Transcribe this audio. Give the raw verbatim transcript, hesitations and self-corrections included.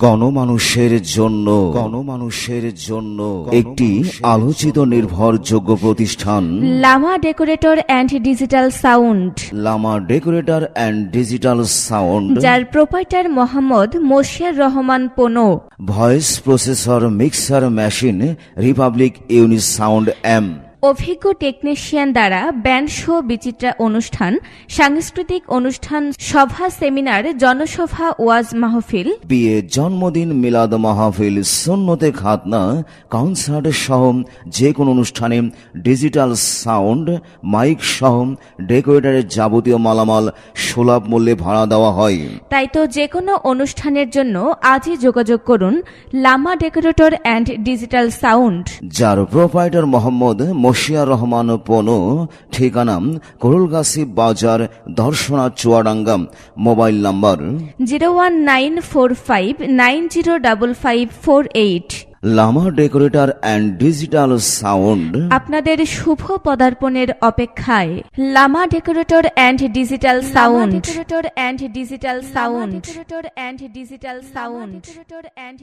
গণমানুষের জন্য গণমানুষের জন্য একটি আলোচিত নির্ভরযোগ্য প্রতিষ্ঠান Lama decorator and digital sound Lama decorator and digital sound, যার proprietor Mohammad Moshiar Rahman Pono. Voice processor mixer machine republic unit sound M. অভিজ্ঞ টেকনিশিয়ান দ্বারা ব্যান্ড শো, বিচিত্রা অনুষ্ঠান, সাংস্কৃতিক অনুষ্ঠান, সভা, সেমিনার, জনসভা, ওয়াজ মাহফিল, বিয়ে, জন্মদিন, মিলাদ মাহফিল, সুন্নতে খাতনা, কনসার্ট সহ যে কোনো অনুষ্ঠানে ডিজিটাল সাউন্ড মাইক সহ ডেকোরেটরের যাবতীয় মালামাল সুলভ মূল্যে ভাড়া দেওয়া হয়। তাই তো যে কোনো অনুষ্ঠানের জন্য আজই যোগাযোগ করুন Lama decorator and digital sound, যার প্রোপাইটার মোহাম্মদ মশিয়ার রহমান পোনো। ঠিকানা করুলগাছি বাজার, Darshana, Chuadanga. Mobile number zero one nine four five nine zero double five four eight. Lama decorator and digital sound আপনাদের শুভ পদার্পণের অপেক্ষায়। Lama decorator and digital sound, decorator and digital sound, decorator and digital sound.